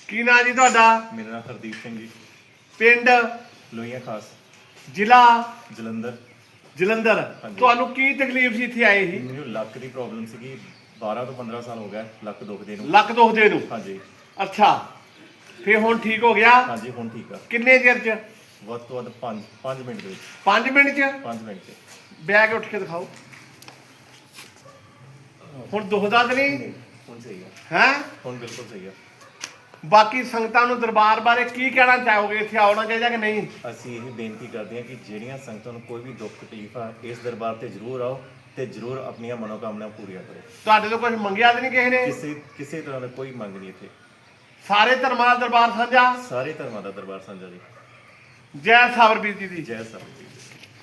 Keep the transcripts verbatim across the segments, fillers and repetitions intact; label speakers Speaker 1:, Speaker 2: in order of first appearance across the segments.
Speaker 1: ਕੀ ਨਾਂ ਜੀ ਤੁਹਾਡਾ?
Speaker 2: ਮੇਰਾ ਨਾਮ ਹਰਦੀਪ ਸਿੰਘ ਜੀ।
Speaker 1: ਪਿੰਡ
Speaker 2: ਲੋਹੀਆਂ ਖਾਸ,
Speaker 1: ਜ਼ਿਲ੍ਹਾ
Speaker 2: ਜਲੰਧਰ।
Speaker 1: ਜਲੰਧਰ।
Speaker 2: ਹਾਂਜੀ।
Speaker 1: ਤੁਹਾਨੂੰ ਕੀ ਤਕਲੀਫ ਸੀ ਇੱਥੇ ਆਏ ਸੀ?
Speaker 2: ਮੈਨੂੰ ਲੱਕ ਦੀ ਪ੍ਰੋਬਲਮ ਸੀਗੀ। ਬਾਰਾਂ ਤੋਂ ਪੰਦਰਾਂ ਸਾਲ ਹੋ ਗਿਆ ਲੱਕ ਦੁਖਦੇ ਨੂੰ।
Speaker 1: ਲੱਕ ਦੁਖਦੇ ਨੂੰ?
Speaker 2: ਹਾਂਜੀ।
Speaker 1: ਅੱਛਾ, ਫੇਰ ਹੁਣ ਠੀਕ ਹੋ ਗਿਆ?
Speaker 2: ਹਾਂਜੀ ਹੁਣ ਠੀਕ ਆ।
Speaker 1: ਕਿੰਨੇ ਚਿਰ ਚ?
Speaker 2: ਵੱਧ ਤੋਂ ਵੱਧ ਪੰਜ ਪੰਜ ਮਿੰਟ ਦੇ ਵਿੱਚ।
Speaker 1: ਪੰਜ ਮਿੰਟ ਚ?
Speaker 2: ਪੰਜ ਮਿੰਟ ਚ।
Speaker 1: ਬਹਿ ਕੇ ਉੱਠ ਕੇ ਦਿਖਾਓ। ਹੁਣ ਦੁਖਦਾ ਤਾਂ ਨਹੀਂ?
Speaker 2: ਹੁਣ ਸਹੀ ਆ।
Speaker 1: ਹੈ
Speaker 2: ਹੁਣ ਬਿਲਕੁਲ ਸਹੀ ਆ।
Speaker 1: ਬਾਕੀ ਸੰਗਤਾਂ ਨੂੰ ਦਰਬਾਰ ਬਾਰੇ ਕੀ ਕਹਿਣਾ ਚਾਹੋਗੇ? ਇੱਥੇ ਆਉਣਾ ਚਾਹੀਦਾ ਕਿ ਨਹੀਂ?
Speaker 2: ਅਸੀਂ ਇਹ ਬੇਨਤੀ ਕਰਦੇ ਹਾਂ ਕਿ ਜਿਹੜੀਆਂ ਸੰਗਤਾਂ ਨੂੰ ਕੋਈ ਵੀ ਦੁੱਖ ਤਕਲੀਫ ਆ, ਇਸ ਦਰਬਾਰ ਤੇ ਜ਼ਰੂਰ ਆਓ ਤੇ ਜ਼ਰੂਰ ਆਪਣੀਆਂ ਮਨੋਕਾਮਨਾ ਪੂਰੀਆਂ ਕਰੋ।
Speaker 1: ਤੁਹਾਡੇ ਤੋਂ ਕੁਝ ਮੰਗਿਆ ਤਾਂ ਨਹੀਂ ਕਿਸੇ ਨੇ?
Speaker 2: ਕਿਸੇ ਕਿਸੇ ਤਰ੍ਹਾਂ ਦਾ ਕੋਈ ਮੰਗ ਨਹੀਂ ਇੱਥੇ।
Speaker 1: ਸਾਰੇ ਧਰਮਾਂ ਦਾ ਦਰਬਾਰ ਸਾਂਝਾ?
Speaker 2: ਸਾਰੇ ਧਰਮਾਂ ਦਾ ਦਰਬਾਰ ਸਾਂਝਾ ਜੀ।
Speaker 1: ਜੈ ਸਾਬਰਬੀਰ ਜੀ ਦੀ।
Speaker 2: ਜੈ ਸਾਹਿਬ ਜੀ।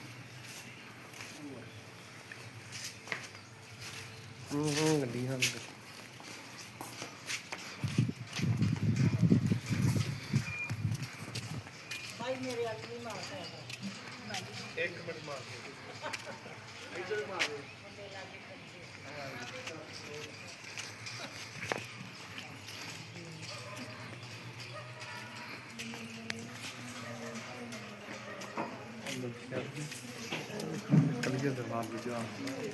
Speaker 1: ਹੂੰ ਹੂੰ ਗੱਡੀ ਹਾਂ
Speaker 3: ਮੇਰੇ ਅੱਜ ਨਹੀਂ ਮਾਰਦਾ
Speaker 1: ਇੱਕ ਮਿੰਟ ਮਾਰ ਦੇ ਇੱਧਰ ਮਾਰ ਦੇ। ਕਲੀਅਰ ਦਰਬਾਰ ਵਿੱਚ ਆ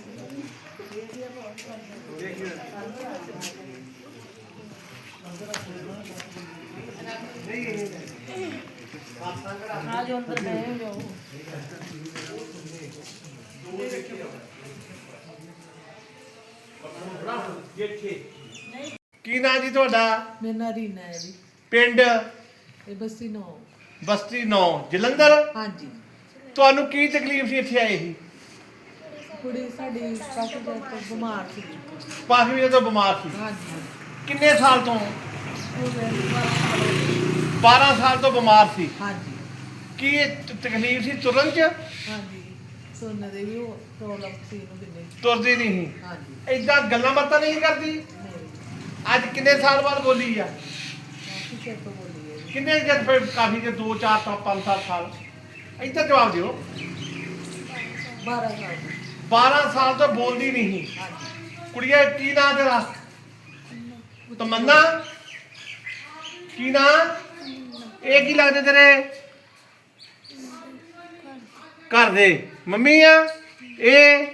Speaker 3: आज अंदर गए जाओ
Speaker 1: ਕੀ ਨਾਂ ਜੀ ਤੁਹਾਡਾ?
Speaker 3: मेरा नाम रीना है जी।
Speaker 1: ਪਿੰਡ
Speaker 3: ये बस्ती नौ।
Speaker 1: ਬਸਤੀ ਨੌ, ਜਲੰਧਰ।
Speaker 3: हाँ जी।
Speaker 1: ਤੁਹਾਨੂੰ ਕੀ ਤਕਲੀਫ ਸੀ ਇੱਥੇ ਆਏ ਸੀ?
Speaker 3: कुड़ी साड़ी काफी देर तो बीमार थी।
Speaker 1: ਕਾਫੀ ਵਜੇ ਤੋਂ ਬਿਮਾਰ ਸੀ।
Speaker 3: हाँ जी।
Speaker 1: ਕਿੰਨੇ ਸਾਲ ਤੋਂ?
Speaker 3: हो गए बारह साल हो गए।
Speaker 1: ਬਾਰਾਂ ਸਾਲ ਤੋਂ ਬਿਮਾਰ ਸੀ।
Speaker 3: हाँ जी।
Speaker 1: ਕੀ ਇਹ ਤ- ਤਕਲੀਫ ਸੀ ਤੁਰਨ ਚ?
Speaker 3: हाँ जी। सोने दे भी प्रॉब्लम थी इन्हों किन्ने।
Speaker 1: ਤੁਰਦੀ ਨਹੀਂ ਸੀ?
Speaker 3: हाँ जी।
Speaker 1: ਏਦਾਂ ਗੱਲਾਂ ਬਾਤਾਂ ਨਹੀਂ ਕਰਦੀ?
Speaker 3: नहीं
Speaker 1: ਅੱਜ ਕਿੰਨੇ ਸਾਲ ਬਾਅਦ ਬੋਲੀ ਆ?
Speaker 3: काफी देर तो बोली है जी।
Speaker 1: ਕਿੰਨੇ ਚਿਰ ਫਿਰ? ਕਾਫੀ ਜੇ ਦੋ ਚਾਰ ਤਾਂ ਪੰਜ ਸੱਤ ਸਾਲ। ਏਦਾਂ ਜਵਾਬ ਦਿਓ।
Speaker 3: बारह साल।
Speaker 1: ਬਾਰਾਂ ਸਾਲ ਤੋਂ ਬੋਲਦੀ ਨਹੀਂ ਸੀ।
Speaker 3: हाँ जी।
Speaker 1: ਕੁੜੀਏ ਕੀ ਨਾਂ ਤੇਰਾ? ਤਮੰਨਾ। ਕੀ ਨਾਂ? ਇਹ ਕੀ ਲੱਗਦੇ ਤੇਰੇ? ਘਰ ਦੇ ਮੰਮੀ ਆ? ਇਹ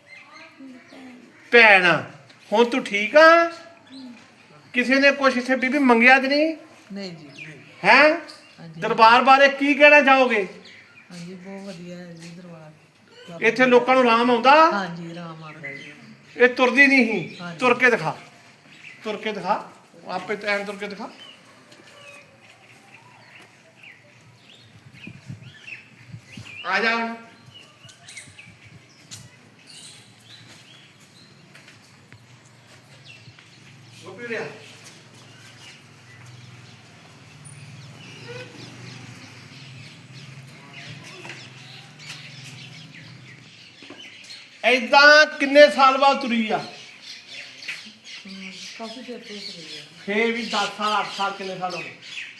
Speaker 1: ਭੈਣ ਆ। ਹੁਣ ਤੂੰ ਠੀਕ ਆ? ਕਿਸੇ ਨੇ ਕੁਛ ਇੱਥੇ ਬੀਬੀ ਮੰਗਿਆ ਤੇ ਨਹੀਂ
Speaker 3: नहीं जी नहीं।
Speaker 1: ਹੈ?
Speaker 3: हाँ जी।
Speaker 1: ਦਰਬਾਰ ਬਾਰੇ ਕੀ ਕਹਿਣਾ ਚਾਹੋਗੇ?
Speaker 3: हाँ जी बहुत बढ़िया है जी दरबार।
Speaker 1: ਇੱਥੇ ਲੋਕਾਂ ਨੂੰ ਆਰਾਮ ਆਉਂਦਾ?
Speaker 3: हाँ जी राम आ गए जी।
Speaker 1: ਇਹ ਤੁਰਦੀ ਨਹੀਂ ਸੀ।
Speaker 3: ਹਾਂਜੀ।
Speaker 1: ਤੁਰ ਕੇ ਦਿਖਾ, ਤੁਰ ਕੇ ਦਿਖਾ, ਆਪੇ ਟਾਈਮ ਤੁਰ ਕੇ ਦਿਖਾ। ਆ ਜਾ ਹੁਣ। ਗੋਪੀ ਰਿਆ ਏਦਾਂ ਕਿੰਨੇ ਸਾਲ ਬਾਅਦ ਤੁਰੀ ਆ?
Speaker 3: हम्म, काफी देर तो हो गई है।
Speaker 1: ਫੇਰ ਵੀ ਦਸ ਸਾਲ ਅੱਠ ਸਾਲ ਕਿੰਨੇ ਸਾਲ ਹੋ ਗਏ?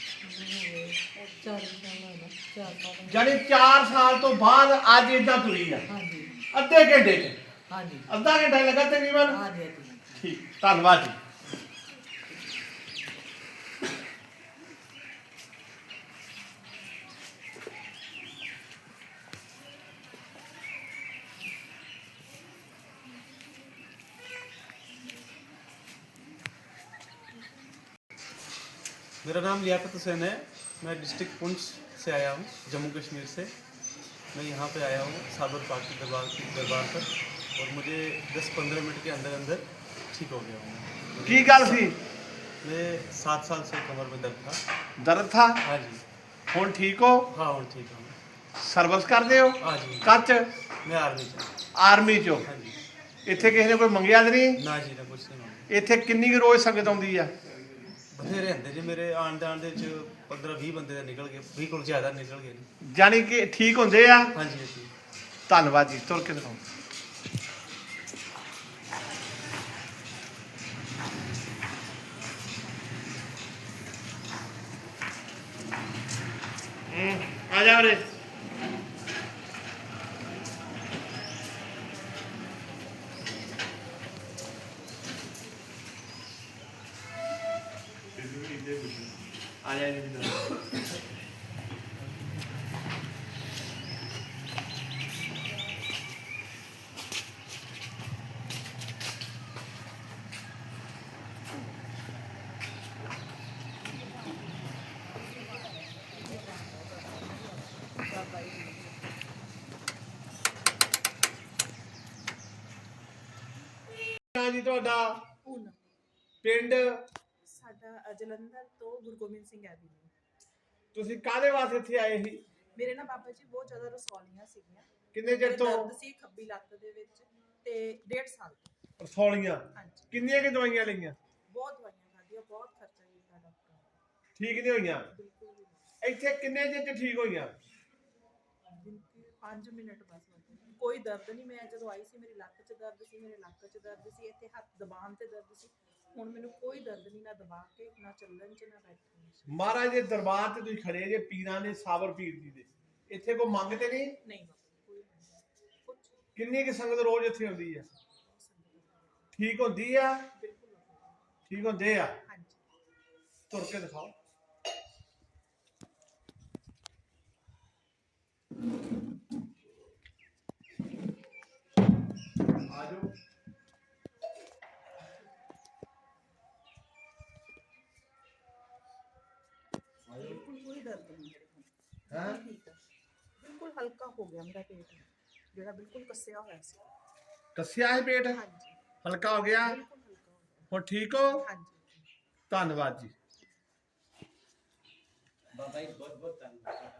Speaker 3: चार साल है ना, चार साल।
Speaker 1: ਜਾਨੀ ਚਾਰ ਸਾਲ ਤੋਂ ਬਾਅਦ ਅੱਜ ਏਦਾਂ ਤੁਰੀ ਆ?
Speaker 3: हाँ जी।
Speaker 1: ਅੱਧੇ ਘੰਟੇ ਚ?
Speaker 3: हाँ जी।
Speaker 1: ਅੱਧਾ ਘੰਟਾ ਲੱਗਾ ਤਕਰੀਬਨ?
Speaker 3: हाँ जी। हाँ जी।
Speaker 1: ਠੀਕ, ਧੰਨਵਾਦ ਜੀ।
Speaker 4: मेरा नाम लियाकत हुसैन है। मैं डिस्ट्रिक्ट पुंछ से आया हूँ, जम्मू कश्मीर से। मैं यहाँ पे आया हूँ साबर पाक के दरबार की दरबार पर, और मुझे दस पंद्रह मिनट के अंदर अंदर ठीक हो गया हूँ।
Speaker 1: ਕੀ ਗੱਲ ਸੀ?
Speaker 4: मैं सात साल से कमर में दर्द था।
Speaker 1: ਦਰਦ ਥਾ?
Speaker 4: हाँ जी।
Speaker 1: ਹੁਣ ਠੀਕ ਹੋ?
Speaker 4: हाँ हूँ ठीक हूँ।
Speaker 1: ਸਰਵਿਸ ਕਰਦੇ ਹੋ?
Speaker 4: हाँ जी।
Speaker 1: ਕੱਚ
Speaker 4: मैं आर्मी से।
Speaker 1: ਆਰਮੀ ਚੋਂ?
Speaker 4: हाँ जी।
Speaker 1: ਇੱਥੇ ਕਿਸੇ ਨੇ ਕੋਈ ਮੰਗਿਆ ਤੇ ਨਹੀਂ?
Speaker 4: ना जी ना कुछ नहीं मांगा।
Speaker 1: ਇੱਥੇ ਕਿੰਨੀ ਕੁ ਰੋਜ਼ ਸੰਗਤ ਆਉਂਦੀ ਆ?
Speaker 4: बथेरे होंगे जी मेरे आन जान दे पंद्रह भी बंदे तो निकल गए, भी को ज़्यादा निकल गए।
Speaker 1: ਜਾਨੀ ਕਿ ਠੀਕ ਹੁੰਦੇ ਆ?
Speaker 4: हाँ जी। हाँ जी।
Speaker 1: ਧੰਨਵਾਦ ਜੀ। ਤੁਰ ਕੇ ਦਿਖਾਓ। ਆ ਜਾ ਰੇ। ਆ ਜਾ ਜੀ ਜੀ ਤੁਹਾਡਾ
Speaker 5: ਪੂਨਮ
Speaker 1: ਪਿੰਡ
Speaker 5: ਸਾਡਾ ਜਲੰਧਰ ਤੋਂ ਗੁਰੂ ਗੋਬਿੰਦ ਸਿੰਘ ਐਵੀਨਿਊ।
Speaker 1: ਤੁਸੀਂ ਕਾਹਦੇ ਵਾਸਤੇ ਇੱਥੇ ਆਏ ਸੀ?
Speaker 5: ਮੇਰੇ ਨਾਲ ਬਾਬਾ ਜੀ ਬਹੁਤ ਜ਼ਿਆਦਾ ਰਸੌਲੀਆਂ ਸੀਗੀਆਂ।
Speaker 1: ਕਿੰਨੇ ਚਿਰ ਤੋਂ?
Speaker 5: ਦਰਦ ਸੀ ਖੱਬੀ ਲੱਤ ਦੇ ਵਿੱਚ ਤੇ ਡੇਢ ਸਾਲ ਤੋਂ।
Speaker 1: ਰਸੌਲੀਆਂ?
Speaker 5: ਹਾਂਜੀ।
Speaker 1: ਕਿੰਨੀਆਂ ਕਿ ਦਵਾਈਆਂ ਲਈਆਂ?
Speaker 5: ਬਹੁਤ ਦਵਾਈਆਂ ਖਾਧੀਆਂ, ਬਹੁਤ ਖਰਚਾ ਕੀਤਾ ਡਾਕਟਰ।
Speaker 1: ਠੀਕ ਨਹੀਂ ਹੋਈਆਂ?
Speaker 5: ਬਿਲਕੁਲ ਵੀ ਨਹੀਂ।
Speaker 1: ਇੱਥੇ ਕਿੰਨੇ ਚਿਰ ਚ ਠੀਕ ਹੋਈਆਂ?
Speaker 5: ਪੰਜ ਮਿੰਟ ਬਸ। ਕੋਈ ਦਰਦ ਨਹੀਂ। ਮੈਂ ਜਦੋਂ ਆਈ ਸੀ ਮੇਰੀ ਲੱਤ 'ਚ ਦਰਦ ਸੀ, ਮੇਰੇ ਲੱਕ 'ਚ ਦਰਦ ਸੀ, ਇੱਥੇ ਹੱਥ ਦਬਾਉਣ ਤੇ ਦਰਦ ਸੀ। ਹੁਣ ਮੈਨੂੰ ਕੋਈ ਦਰਦ ਨਹੀਂ, ਨਾ ਦਬਾ ਕੇ, ਨਾ ਚੱਲਣ 'ਚ, ਨਾ ਬੈਠਣ 'ਚ।
Speaker 1: ਮਹਾਰਾਜ ਦੇ ਦਰਬਾਰ ਤੇ ਤੁਸੀਂ ਖੜੇ ਜੇ, ਪੀਰਾਂ ਦੇ ਸਾਬਰ ਪੀਰ ਜੀ ਦੇ। ਇੱਥੇ ਕੋਈ ਮੰਗਤੇ ਨਹੀਂ?
Speaker 5: ਨਹੀਂ ਬਾਬਾ ਕੋਈ ਨਹੀਂ। ਕੁਝ
Speaker 1: ਕਿੰਨੀ ਕਿ ਸੰਗਤ ਰੋਜ਼ ਇੱਥੇ ਆਉਂਦੀ ਆ? ਠੀਕ ਹੁੰਦੀ ਆ?
Speaker 5: ਬਿਲਕੁਲ
Speaker 1: ਠੀਕ ਹੁੰਦੇ ਆ?
Speaker 5: ਹਾਂਜੀ।
Speaker 1: ਤੁਰ ਕੇ ਦਿਖਾਓ। ਆਜੋ।
Speaker 5: ਬਿਲਕੁਲ ਕੋਈ ਦਰਦ ਨਹੀਂ
Speaker 1: ਹੈਂ?
Speaker 5: ਠੀਕ ਹੈ। ਬਿਲਕੁਲ ਹਲਕਾ ਹੋ ਗਿਆ ਮੇਰਾ ਪੇਟ, ਜਿਹੜਾ ਬਿਲਕੁਲ ਕੱਸਿਆ ਹੋਇਆ ਸੀ।
Speaker 1: ਕੱਸਿਆ ਹੈ ਪੇਟ?
Speaker 5: ਹਾਂਜੀ
Speaker 1: ਹਲਕਾ ਹੋ ਗਿਆ?
Speaker 5: ਬਿਲਕੁਲ ਹਲਕਾ ਹੋ ਗਿਆ।
Speaker 1: ਹੁਣ ਠੀਕ ਹੋ?
Speaker 5: ਹਾਂਜੀ।
Speaker 1: ਧੰਨਵਾਦ ਜੀ।
Speaker 6: ਬਾਬਾ ਜੀ ਬਹੁਤ ਬਹੁਤ ਧੰਨਵਾਦ।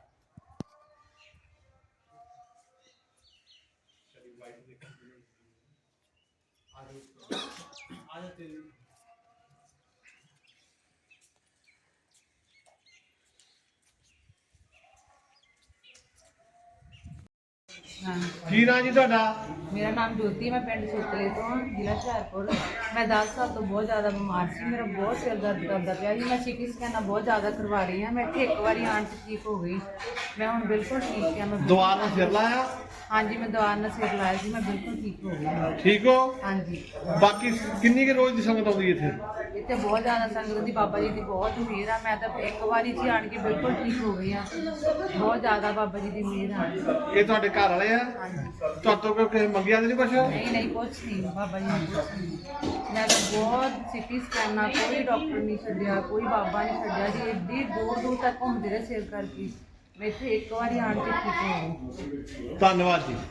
Speaker 1: ਕੀ ਨਾਂ ਜੀ ਤੁਹਾਡਾ?
Speaker 3: ਮੇਰਾ ਨਾਮ ਜੋਤੀ, ਮੈਂ ਪਿੰਡ ਸੁਤਲੇ ਤੋਂ ਹਾਂ, ਜ਼ਿਲ੍ਹਾ ਹੁਸ਼ਿਆਰਪੁਰ। ਮੈਂ ਦਸ ਸਾਲ ਤੋਂ ਬਹੁਤ ਜ਼ਿਆਦਾ ਬਿਮਾਰ ਸੀ। ਮੇਰਾ ਬਹੁਤ ਸਿਰ ਦਰਦ ਕਰਦਾ ਪਿਆ ਸੀ। ਮੈਂ ਸਿਟੀ ਸਕੈਨਾਂ ਬਹੁਤ ਜ਼ਿਆਦਾ ਕਰਵਾ ਰਹੀ ਹਾਂ। ਮੈਂ ਇੱਥੇ ਇੱਕ ਵਾਰੀ ਆਉਣ 'ਚ ਠੀਕ ਹੋ ਗਈ। ਮੈਂ ਹੁਣ ਬਿਲਕੁਲ ਠੀਕ ਹਾਂ। ਮੈਂ
Speaker 1: ਦੁਆ ਨਾਲ ਸਿਰ ਲਾਇਆ?
Speaker 3: ਹਾਂਜੀ, ਮੈਂ ਦਵਾ ਨਾਲ ਸਿਰ ਲਾਇਆ ਸੀ। ਮੈਂ ਬਿਲਕੁਲ ਠੀਕ ਹੋ ਗਈ।
Speaker 1: ਠੀਕ ਹੋ?
Speaker 3: ਹਾਂਜੀ।
Speaker 1: ਬਾਕੀ ਕਿੰਨੀ ਕਿ ਰੋਜ਼ ਦੀ ਸੰਗਤ ਆਉਂਦੀ ਇੱਥੇ?
Speaker 3: ਇੱਥੇ ਬਹੁਤ ਜ਼ਿਆਦਾ ਸੰਗਤ ਦੀ ਬਾਬਾ ਜੀ ਦੀ ਬਹੁਤ ਮਿਹਰ ਆ। ਮੈਂ ਤਾਂ ਇੱਕ ਵਾਰੀ 'ਚ ਹੀ ਆਣ ਕੇ ਬਿਲਕੁਲ ਠੀਕ ਹੋ ਗਈ ਹਾਂ। ਬਹੁਤ ਜ਼ਿਆਦਾ ਬਾਬਾ ਜੀ ਦੀ ਮਿਹਰ ਆ।
Speaker 1: ਇਹ ਤੁਹਾਡੇ ਘਰ ਵਾਲੇ ਆ?
Speaker 3: ਹਾਂਜੀ।
Speaker 1: ਤੁਹਾਤੋਂ ਕੋਈ ਕਿਸੇ ਮੰਗਿਆ ਤਾਂ ਨਹੀਂ ਕੁਛ?
Speaker 3: ਨਹੀਂ ਨਹੀਂ ਕੁਛ ਨਹੀਂ, ਬਾਬਾ ਜੀ ਨੇ ਕੁਛ ਨਹੀਂ। ਮੈਂ ਤਾਂ ਬਹੁਤ ਸਿਟੀ ਸਕੈਨਾਂ, ਕੋਈ ਡਾਕਟਰ ਨਹੀਂ ਛੱਡਿਆ, ਕੋਈ ਬਾਬਾ ਨਹੀਂ ਛੱਡਿਆ ਜੀ। ਐਡੀ ਦੂਰ ਦੂਰ ਤੱਕ ਘੁੰਮਦੇ ਰਹੇ ਸਿਰ ਕਰਕੇ। ਮੈਂ ਇੱਥੇ ਇੱਕ ਵਾਰੀ ਆਣ ਕੇ ਠੀਕ ਹੋ ਗਈ।
Speaker 1: ਧੰਨਵਾਦ ਜੀ।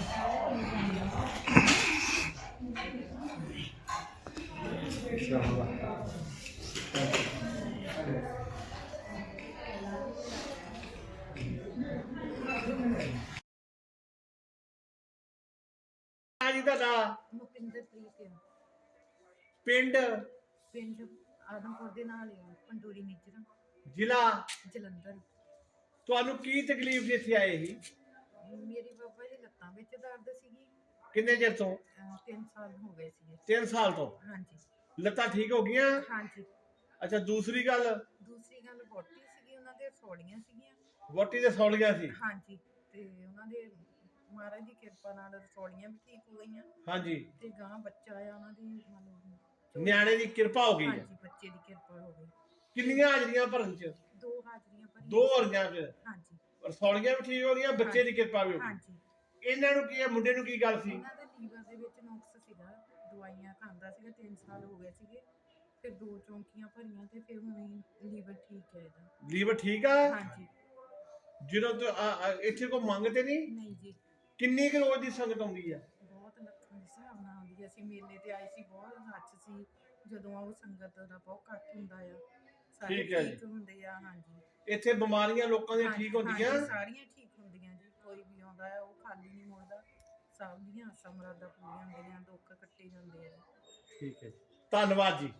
Speaker 1: ਜੀ ਤੁਹਾਡਾ
Speaker 3: ਮੁਕਿੰਦਰਪ੍ਰੀਤ ਆ।
Speaker 1: ਪਿੰਡ?
Speaker 3: ਪਿੰਡ ਆਦਮਪੁਰ ਦੇ ਨਾਲ ਹੀ ਆ, ਪੰਡੂਰੀ ਨਿੱਜਰ,
Speaker 1: ਜ਼ਿਲ੍ਹਾ?
Speaker 3: ਜਲੰਧਰ।
Speaker 1: ਤੁਹਾਨੂੰ ਕੀ ਤਕਲੀਫ ਸੀ ਇੱਥੇ ਆਏ ਸੀ?
Speaker 3: ਮੇਰੀ ਬਾਬਾ ਜੀ ਲੱਤਾਂ ਵਿੱਚ ਦਰਦ ਸੀਗੀ।
Speaker 1: ਕਿੰਨੇ ਚਿਰ ਤੋਂ?
Speaker 3: ਅਹ ਤਿੰਨ ਸਾਲ ਹੋ ਗਏ ਸੀਗੇ।
Speaker 1: ਤਿੰਨ ਸਾਲ ਤੋਂ?
Speaker 3: ਹਾਂਜੀ
Speaker 1: ਲੱਤਾਂ ਠੀਕ ਹੋ ਗਈਆਂ?
Speaker 3: ਹਾਂਜੀ।
Speaker 1: ਅੱਛਾ, ਦੂਸਰੀ ਗੱਲ?
Speaker 3: ਦੂਸਰੀ ਗੱਲ ਵੋਟੀ ਸੀਗੀ, ਉਹਨਾਂ ਦੇ ਸੌੜੀਆਂ ਸੀਗੀਆਂ।
Speaker 1: ਵੋਟੀ ਦੇ ਸੌਲੀਆਂ ਸੀ?
Speaker 3: ਹਾਂਜੀ। ਤੇ ਉਹਨਾਂ ਦੇ ਮਹਾਰਾਜ ਦੀ ਕਿਰਪਾ ਨਾਲ ਰਸੌਲੀਆਂ ਵੀ ਠੀਕ ਹੋ ਗਈਆਂ।
Speaker 1: ਹਾਂਜੀ।
Speaker 3: ਤੇ ਗਾਂ ਬੱਚਾ ਆ ਉਹਨਾਂ ਦੀ, ਮਤਲਬ
Speaker 1: ਨਿਆਣੇ ਦੀ ਕਿਰਪਾ ਹੋ ਗਈ ਹੈ?
Speaker 3: ਹਾਂਜੀ, ਬੱਚੇ ਦੀ ਕਿਰਪਾ ਹੋ ਗਈ।
Speaker 1: ਕਿੰਨੀਆਂ ਹਾਜ਼ਰੀਆਂ ਭਰਨ ਚ?
Speaker 3: ਦੋ ਹਾਜ਼ਰੀਆਂ ਭਰੀਆਂ।
Speaker 1: ਦੋ ਹਾਜ਼ਰੀਆਂ ਚ?
Speaker 3: ਹਾਂਜੀ।
Speaker 1: ਰਸੌਲੀਆਂ ਵੀ ਠੀਕ ਹੋ ਗਈਆਂ, ਬੱਚੇ ਦੀ ਕਿਰਪਾ ਵੀ ਹੋ ਗਈ।
Speaker 3: ਹਾਂਜੀ।
Speaker 1: ਇਹਨਾਂ ਨੂੰ ਕੀ ਹੈ, ਮੁੰਡੇ ਨੂੰ ਕੀ ਗੱਲ ਸੀ?
Speaker 3: ਇਹਨਾਂ ਦੇ ਲੀਵਰ ਦੇ ਵਿੱਚ ਨੁਕਸ ਸੀਗਾ, ਦਵਾਈਆਂ ਖਾਂਦਾ ਸੀਗਾ, ਤਿੰਨ ਸਾਲ ਹੋ ਗਏ ਸੀਗੇ। ਫਿਰ ਦੋ ਚੌਂਕੀਆਂ ਭਰੀਆਂ ਤੇ ਫਿਰ ਹੁਣ ਲੀਵਰ ਠੀਕ ਹੈ ਇਹਦਾ।
Speaker 1: ਲੀਵਰ ਠੀਕ ਆ?
Speaker 3: ਹਾਂਜੀ।
Speaker 1: ਜਦੋਂ ਤੋਂ ਆ- ਆ- ਇੱਥੇ ਕੋਈ ਮੰਗਤੇ ਨਹੀਂ?
Speaker 3: ਨਹੀਂ ਜੀ।
Speaker 1: ਕਿੰਨੀ ਕੁ ਰੋਜ਼ ਦੀ ਸੰਗਤ ਆਉਂਦੀ ਆ?
Speaker 3: ਬਹੁਤ ਲੱਖਾਂ ਦੇ ਹਿਸਾਬ ਨਾਲ ਆਉਂਦੀ ਹੈ। ਅਸੀਂ ਮੇਲੇ ਤੇ ਆਏ ਸੀ, ਬਹੁਤ ਰੱਛ ਸੀ। ਜਦੋਂ ਉਹ ਸੰਗਤ ਦਾ ਬਹੁਤ ਇਕੱਠ ਹੁੰਦਾ ਆ, ਸਾਰੇ
Speaker 1: ਠੀਕ ਹੈ ਜੀ।
Speaker 3: ਠੀਕ ਹੁੰਦੇ ਆ। ਹਾਂਜੀ।
Speaker 1: ਇੱਥੇ ਬਿਮਾਰੀਆਂ ਲੋਕਾਂ ਦੀਆਂ
Speaker 3: ਹਾਂਜੀ,
Speaker 1: ਠੀਕ ਹੁੰਦੀਆਂ?
Speaker 3: ਹਾਂਜੀ, ਸਾਰੀਆਂ ਠੀਕ ਹੁੰਦੀਆਂ ਜੀ। ਕੋਈ ਵੀ ਆਉਂਦਾ ਹੈ ਉਹ ਖਾਲੀ ਨਹੀਂ ਮੁੜਦਾ। ਸਭ ਦੀਆਂ ਆਸਾਂ ਮੁਰਾਦਾਂ ਪੂਰੀਆਂ ਹੁੰਦੀਆਂ, ਦੁੱਖ ਕੱਟੇ ਜਾਂਦੇ ਆ।
Speaker 1: ਠੀਕ ਹੈ ਜੀ, ਧੰਨਵਾਦ ਜੀ।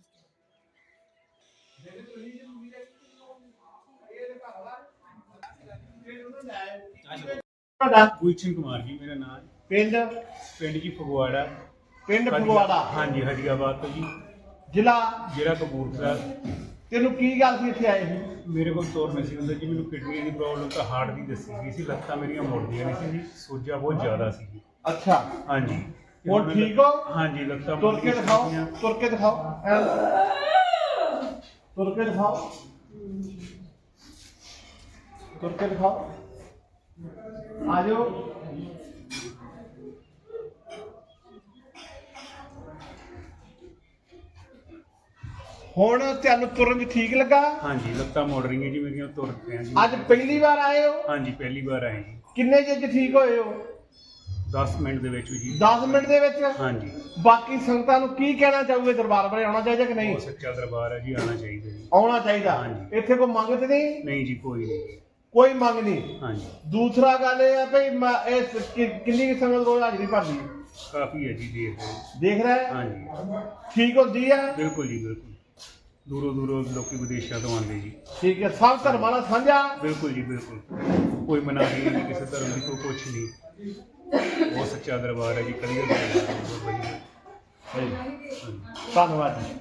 Speaker 1: ਤੁਹਾਡਾ?
Speaker 7: ਗੁਲਸ਼ਨ ਕੁਮਾਰ ਜੀ ਮੇਰਾ ਨਾਮ।
Speaker 1: ਪਿੰਡ?
Speaker 7: ਪਿੰਡ ਜੀ ਫਗਵਾੜਾ।
Speaker 1: ਪਿੰਡ ਫਗਵਾੜਾ?
Speaker 7: ਹਾਂਜੀ, ਹਰੀਆਬਾਦ ਤੋਂ ਜੀ।
Speaker 1: ਜ਼ਿਲ੍ਹਾ?
Speaker 7: ਜ਼ਿਲ੍ਹਾ ਕਪੂਰਥਲਾ।
Speaker 1: ਤੈਨੂੰ ਕੀ ਗੱਲ ਸੀ ਇੱਥੇ ਆਏ ਸੀ?
Speaker 7: ਮੇਰੇ ਕੋਲ ਤੁਰ ਨਹੀਂ ਸੀ ਹੁੰਦਾ ਜੀ। ਮੈਨੂੰ ਕਿਡਨੀਆਂ ਦੀ ਪ੍ਰੋਬਲਮ ਤਾਂ ਹਾਰਟ ਦੀ ਦੱਸੀ ਗਈ ਸੀ। ਲੱਤਾਂ ਮੇਰੀਆਂ ਮੁੜਦੀਆਂ ਨਹੀਂ ਸੀ ਜੀ, ਸੋਜਾ ਬਹੁਤ ਜ਼ਿਆਦਾ ਸੀ ਜੀ।
Speaker 1: ਅੱਛਾ।
Speaker 7: ਹਾਂਜੀ।
Speaker 1: ਹੁਣ ਠੀਕ ਹੋ?
Speaker 7: ਹਾਂਜੀ, ਲੱਤਾਂ
Speaker 1: ਤੁਰ ਕੇ
Speaker 7: ਮੁੜਦੀਆਂ
Speaker 1: ਦਿਖਾਓ,
Speaker 7: ਸੀਗੀਆਂ।
Speaker 1: ਤੁਰ ਕੇ ਦਿਖਾਓ, ਐਂ। ਤੁਰ ਕੇ ਦਿਖਾਓ। ਤੁਰ ਕੇ ਦਿਖਾਓ ਆ ਜਾਓ ਹੁਣ ਤੁਹਾਨੂੰ ਤੁਰਨ ਚ ਠੀਕ ਲੱਗਾ
Speaker 7: ਹਾਂਜੀ ਲੱਤਾਂ ਮੁੜ ਰਹੀਆਂ ਜੀ ਮੇਰੀਆਂ, ਤੁਰ ਪਿਆ ਜੀ।
Speaker 1: ਅੱਜ ਪਹਿਲੀ ਵਾਰ ਆਏ ਹੋ
Speaker 7: ਹਾਂਜੀ ਪਹਿਲੀ ਵਾਰ ਆਏ ਜੀ।
Speaker 1: ਕਿੰਨੇ ਚਿਰ ਚ ਠੀਕ ਹੋਏ ਹੋ
Speaker 7: ਦਸ ਮਿੰਟ ਦੇ ਵਿੱਚ ਜੀ।
Speaker 1: ਦਸ ਮਿੰਟ ਦੇ ਵਿੱਚ
Speaker 7: ਹਾਂਜੀ
Speaker 1: ਬਾਕੀ ਸੰਗਤਾਂ ਨੂੰ ਕੀ ਕਹਿਣਾ ਚਾਹੋਗੇ ਦਰਬਾਰ ਬਾਰੇ ਆਉਣਾ ਚਾਹੀਦਾ ਕਿ ਨਹੀਂ
Speaker 7: ਉਹ ਸੱਚਾ ਦਰਬਾਰ ਹੈ ਜੀ, ਆਉਣਾ ਚਾਹੀਦਾ ਜੀ।
Speaker 1: ਆਉਣਾ ਚਾਹੀਦਾ
Speaker 7: ਹਾਂਜੀ।
Speaker 1: ਇੱਥੇ ਕੋਈ ਮੰਗ ਤੇ ਨਹੀਂ
Speaker 7: ਨਹੀਂ ਜੀ ਕੋਈ ਨਹੀਂ।
Speaker 1: ਕੋਈ ਮੰਗ ਨਹੀਂ
Speaker 7: ਹਾਂਜੀ
Speaker 1: ਦੂਸਰਾ ਗੱਲ ਇਹ ਹੈ ਭਈ ਮੈਂ ਇਹ ਕਿ- ਕਿੰਨੀ ਕੁ ਸੰਗਤ ਰੋਜ਼ ਹਾਜ਼ਰੀ ਭਰਦੀ ਹੈ?
Speaker 7: ਕਾਫੀ ਹੈ ਜੀ, ਦੇਖ ਰਹੇ।
Speaker 1: ਦੇਖ ਰਿਹਾ ਹੈ
Speaker 7: ਹਾਂਜੀ
Speaker 1: ਠੀਕ ਹੁੰਦੀ ਹੈ
Speaker 7: ਬਿਲਕੁਲ ਜੀ ਬਿਲਕੁਲ। ਦੂਰੋਂ ਦੂਰੋਂ ਲੋਕੀ ਵਿਦੇਸ਼ਾਂ ਤੋਂ ਆਉਂਦੇ ਜੀ।
Speaker 1: ਠੀਕ ਹੈ ਸਭ ਧਰਮਾਂ ਨਾਲ ਸਾਂਝਾ
Speaker 7: ਬਿਲਕੁਲ ਜੀ ਬਿਲਕੁਲ। ਕੋਈ ਮਨਾਹੀ ਨਹੀਂ ਕਿਸੇ ਧਰਮ ਦੀ, ਕੋਈ ਕੁਛ ਨਹੀਂ। ਉਹ ਸੱਚਾ ਦਰਬਾਰ ਹੈ ਜੀ, ਕਲੀਅਰ ਦਰਬਾਰ ਹੈ, ਬਹੁਤ ਵਧੀਆ। ਹਾਂਜੀ।
Speaker 1: ਧੰਨਵਾਦ ਜੀ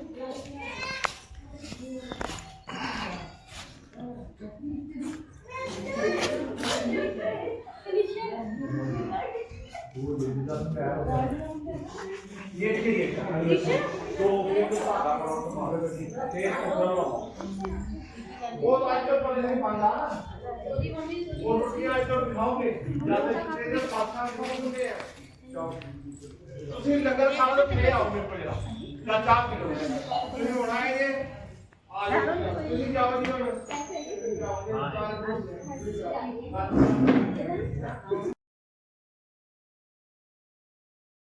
Speaker 1: वो तो आज तक पहले नहीं पाला वो रोटी आज तक खाओगे ज्यादा तेरे पास खाओगे ਤੁਸੀਂ ਲੰਗਰ ਖਾ ਲਓ ਤੇ ਆਓ ਮੇਰੇ ਕੋਲ ਜਰਾ ਚਾਰ ਚਾਰ ਕਿਲੋ ਤੁਸੀਂ ਬਣਾਏ ਜੇ ਆ ਜਾਓ ਤੁਸੀਂ ਜਾਓ ਜੀ ਹੁਣ